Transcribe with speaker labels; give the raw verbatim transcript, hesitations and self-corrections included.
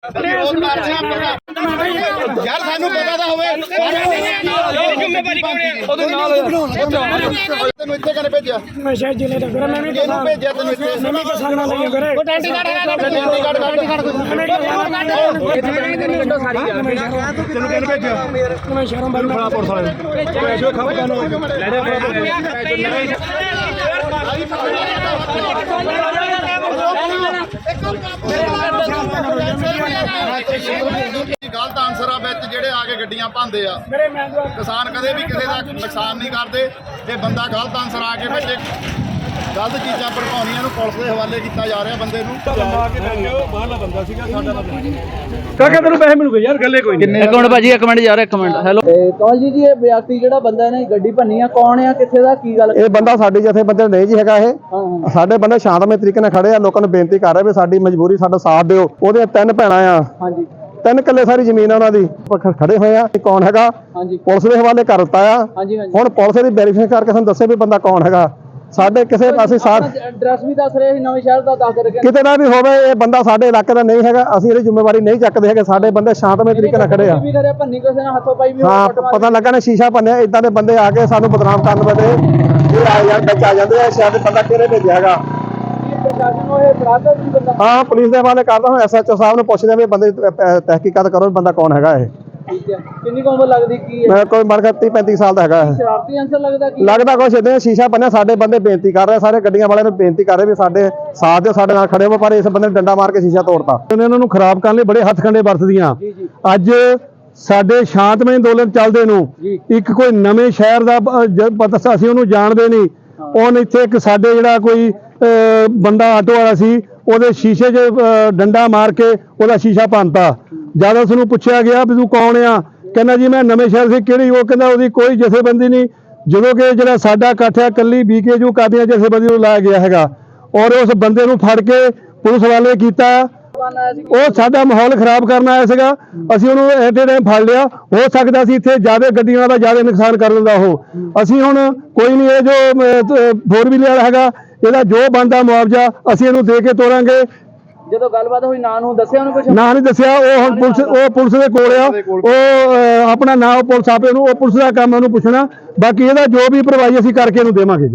Speaker 1: यार सानू पता था होवे जिम्मेवारी कौन है ओदे नाल तेनु इत्थे कने भेजिया मैं शायद जिले दा घर मैं नहीं पता भेजिया तेनु इत्थे मैं किसान ना लगे घरे वो टेंटी कार्ड है टेंटी कार्ड टेंटी कार्ड तेनु कड्डो सारी तेनु कने भेजिया मैं शहरों बाहर बड़ा पुलिस वाले ऐसे खबर कानो ले गलत आंसर आ विच जेडे आके गड्डियां पांदे आ किसान कदे भी किसी का नुकसान नहीं करते ते बंदा गलत आंसर आके विच गलत चीज़ां भड़काउणियां नूं पुलिस दे हवाले किया जा रहा बंदे नूं बाहरला बंदा सीगा साडा बंदा काका तैनूं पैसे मिलूगे यार गल्ले कोई नहीं
Speaker 2: एक मिनट भाजी एक मिनट यार एक मिनट हेलो कौन जी जी ये व्यक्ति ਜਿਹੜਾ ਬੰਦਾ ਨੇ ਗੱਡੀ ਭੰਨੀ ਆ ਕੌਣ ਆ ਕਿੱਥੇ ਦਾ ਕੀ ਗੱਲ
Speaker 3: ਇਹ ਬੰਦਾ ਸਾਡੇ ਜਥੇ ਬੰਦੇ ਨਹੀਂ ਜੀ ਹੈਗਾ ਇਹ ਸਾਡੇ ਬੰਦੇ ਸ਼ਾਂਤਮਈ ਤਰੀਕੇ ਨਾਲ ਖੜੇ ਆ ਲੋਕਾਂ ਨੂੰ ਬੇਨਤੀ ਕਰ ਰਹੇ ਵੀ ਸਾਡੀ ਮਜਬੂਰੀ ਸਾਡਾ ਸਾਥ ਦਿਓ ਉਹਦੇ ਤਿੰਨ ਭੈਣਾਂ ਆ ਹਾਂਜੀ ਤਿੰਨ ਕਿੱਲੇ ਸਾਰੀ ਜ਼ਮੀਨ ਆ ਉਹਨਾਂ ਦੀ ਖੜੇ ਹੋਏ ਆ ਕੌਣ ਹੈਗਾ ਹਾਂਜੀ ਪੁਲਿਸ ਦੇ ਹਵਾਲੇ ਕਰ ਦਿੱਤਾ ਆ ਹਾਂਜੀ ਹਾਂਜੀ ਹੁਣ ਪੁਲਿਸ ਦੀ ਵੈਰੀਫਿਕੇਸ਼ਨ ਕਰਕੇ ਸਾਨੂੰ ਦੱਸੇ ਵੀ ਬੰਦਾ ਕੌਣ ਹੈਗਾ ਸਾਡੇ ਕਿਸੇ ਪਾਸੇ ਸਾਥ
Speaker 2: ਐਡਰੈਸ ਵੀ ਦੱਸ ਰਹੇ ਸੀ ਨਵੇਂ ਸ਼ਹਿਰ ਦਾ ਦੱਸ ਰਹੇ
Speaker 3: ਕਿਤੇ ਦਾ ਵੀ ਹੋਵੇ ਇਹ ਬੰਦਾ ਸਾਡੇ ਇਲਾਕੇ ਦਾ ਨਹੀਂ ਹੈਗਾ ਅਸੀਂ ਇਹਦੀ ਜ਼ਿੰਮੇਵਾਰੀ ਨਹੀਂ ਚੱਕਦੇ ਹੈਗੇ ਸਾਡੇ ਬੰਦੇ ਸ਼ਾਂਤਮਈ ਤਰੀਕੇ ਨਾਲ ਖੜੇ ਆ
Speaker 2: ਵੀ ਕਰਿਆ ਭੰਨੀ ਕਿਸੇ ਨਾਲ ਹੱਥੋਂ ਪਾਈ ਵੀ
Speaker 3: ਹਾਂ ਪਤਾ ਲੱਗਾ ਨੇ ਸ਼ੀਸ਼ਾ ਭੰਨਿਆ ਇਦਾਂ ਦੇ ਬੰਦੇ ਆ ਕੇ ਸਾਨੂੰ ਬਦਨਾਮ ਕਰਨ ਵਾਲੇ ਇਹ ਆ ਯਾਰ ਵਿੱਚ ਆ ਜਾਂਦੇ ਆ ਸ਼ਾਇਦ ਬੰਦਾ ਕਿਹੜੇ ਭੇਜਿਆ ਹੈਗਾ ਹਾਂ ਪੁਲਿਸ ਦੇ ਹਵਾਲੇ ਕਰਦਾ ਹਾਂ ਐਸਐਚਓ ਸਾਹਿਬ ਨੂੰ ਪੁੱਛਦੇ ਵੀ ਬੰਦੇ ਤਹਿਕੀਕਾਤ ਕਰੋ ਬੰਦਾ ਕੌਣ ਹੈਗਾ ਇਹ
Speaker 2: ਠੀਕ ਹੈ ਕਿੰਨੀ ਕੁ ਉਮਰ ਲੱਗਦੀ ਕੀ ਹੈ
Speaker 3: ਮੈਂ ਕੋਈ ਮਰਗਾ ਤੀਹ ਪੈਂਤੀ ਸਾਲ ਦਾ ਹੈਗਾ ਇਹ
Speaker 2: ਸ਼ਰਾਰਤੀ ਅੰਸਰ ਲੱਗਦਾ ਕੀ
Speaker 3: ਲੱਗਦਾ ਕੁਛ ਇਦਾਂ ਸ਼ੀਸ਼ਾ ਬੰਨਿਆ ਸਾਡੇ ਬੰਦੇ ਬੇਨਤੀ ਕਰ ਰਹੇ ਸਾਰੇ ਗੱਡੀਆਂ ਵਾਲਿਆਂ ਨੂੰ ਬੇਨਤੀ ਕਰ ਰਹੇ ਵੀ ਸਾਡੇ ਸਾਥ ਦਿਓ ਸਾਡੇ ਨਾਲ ਖੜੇ ਹੋ ਪਰ ਇਸ ਬੰਦੇ ਨੇ ਡੰਡਾ ਮਾਰ ਕੇ ਸ਼ੀਸ਼ਾ ਤੋੜਤਾ ਇਹਨਾਂ ਨੂੰ ਖਰਾਬ ਕਰਨ ਲਈ ਬੜੇ ਹੱਥਕੰਡੇ ਵਰਤਦੀਆਂ ਅੱਜ ਸਾਡੇ ਸ਼ਾਂਤਮਈ ਅੰਦੋਲਨ ਚੱਲਦੇ ਨੂੰ ਇੱਕ ਕੋਈ ਨਵੇਂ ਸ਼ਹਿਰ ਦਾ ਪਤਾ ਅਸੀਂ ਉਹਨੂੰ ਜਾਣਦੇ ਨਹੀਂ ਉਹਨ ਇੱਥੇ ਇੱਕ ਸਾਡੇ ਜਿਹੜਾ ਕੋਈ ਬੰਦਾ ਆਟੋ ਵਾਲਾ ਸੀ ਉਹਦੇ ਸ਼ੀਸ਼ੇ 'ਚ ਡੰਡਾ ਮਾਰ ਕੇ ਉਹਦਾ ਸ਼ੀਸ਼ਾ ਭੰਨਤਾ ਜਦ ਉਸ ਨੂੰ ਪੁੱਛਿਆ ਗਿਆ ਵੀ ਤੂੰ ਕੌਣ ਆ ਕਹਿੰਦਾ ਜੀ ਮੈਂ ਨਵੇਂ ਸ਼ਹਿਰ ਸੀ ਕਿਹੜੀ ਉਹ ਕਹਿੰਦਾ ਉਹਦੀ ਕੋਈ ਜਥੇਬੰਦੀ ਨਹੀਂ ਜਦੋਂ ਕਿ ਜਿਹੜਾ ਸਾਡਾ ਇਕੱਠ ਆ ਕੱਲੀ ਬੀਕੇਯੂ ਕਾਦੀਆਂ ਜਥੇਬੰਦੀ ਨੂੰ ਲਾਇਆ ਗਿਆ ਹੈਗਾ ਔਰ ਉਸ ਬੰਦੇ ਨੂੰ ਫੜ ਕੇ ਪੁਲਿਸ ਵਾਲੇ ਕੀਤਾ ਉਹ ਸਾਡਾ ਮਾਹੌਲ ਖਰਾਬ ਕਰਨ ਆਇਆ ਸੀਗਾ ਅਸੀਂ ਉਹਨੂੰ ਐਟੇ ਟਾਈਮ ਫੜ ਲਿਆ ਹੋ ਸਕਦਾ ਸੀ ਇੱਥੇ ਜ਼ਿਆਦਾ ਗੱਡੀਆਂ ਦਾ ਜ਼ਿਆਦਾ ਨੁਕਸਾਨ ਕਰ ਦਿੰਦਾ ਉਹ ਅਸੀਂ ਹੁਣ ਕੋਈ ਨਹੀਂ ਇਹ ਜੋ ਫੋਰ ਵੀਲਰ ਹੈਗਾ ਇਹਦਾ ਜੋ ਬਣਦਾ ਮੁਆਵਜ਼ਾ ਅਸੀਂ ਇਹਨੂੰ ਦੇ ਕੇ ਤੋਰਾਂਗੇ
Speaker 2: ਜਦੋਂ ਗੱਲਬਾਤ ਹੋਈ ਨਾਂ ਨੂੰ ਦੱਸਿਆ ਉਹਨੂੰ ਕੁਝ
Speaker 3: ਨਾਂ ਨਹੀਂ ਦੱਸਿਆ ਉਹ ਹੁਣ ਪੁਲਿਸ ਉਹ ਪੁਲਿਸ ਦੇ ਕੋਲ ਆ ਉਹ ਆਪਣਾ ਨਾਂ ਪੁਲਿਸ ਆਪੇ ਉਹਨੂੰ ਉਹ ਪੁਲਿਸ ਦਾ ਕੰਮ ਉਹਨੂੰ ਪੁੱਛਣਾ ਬਾਕੀ ਇਹਦਾ ਜੋ ਵੀ ਭਰਵਾਈ ਅਸੀਂ ਕਰਕੇ ਇਹਨੂੰ ਦੇਵਾਂਗੇ।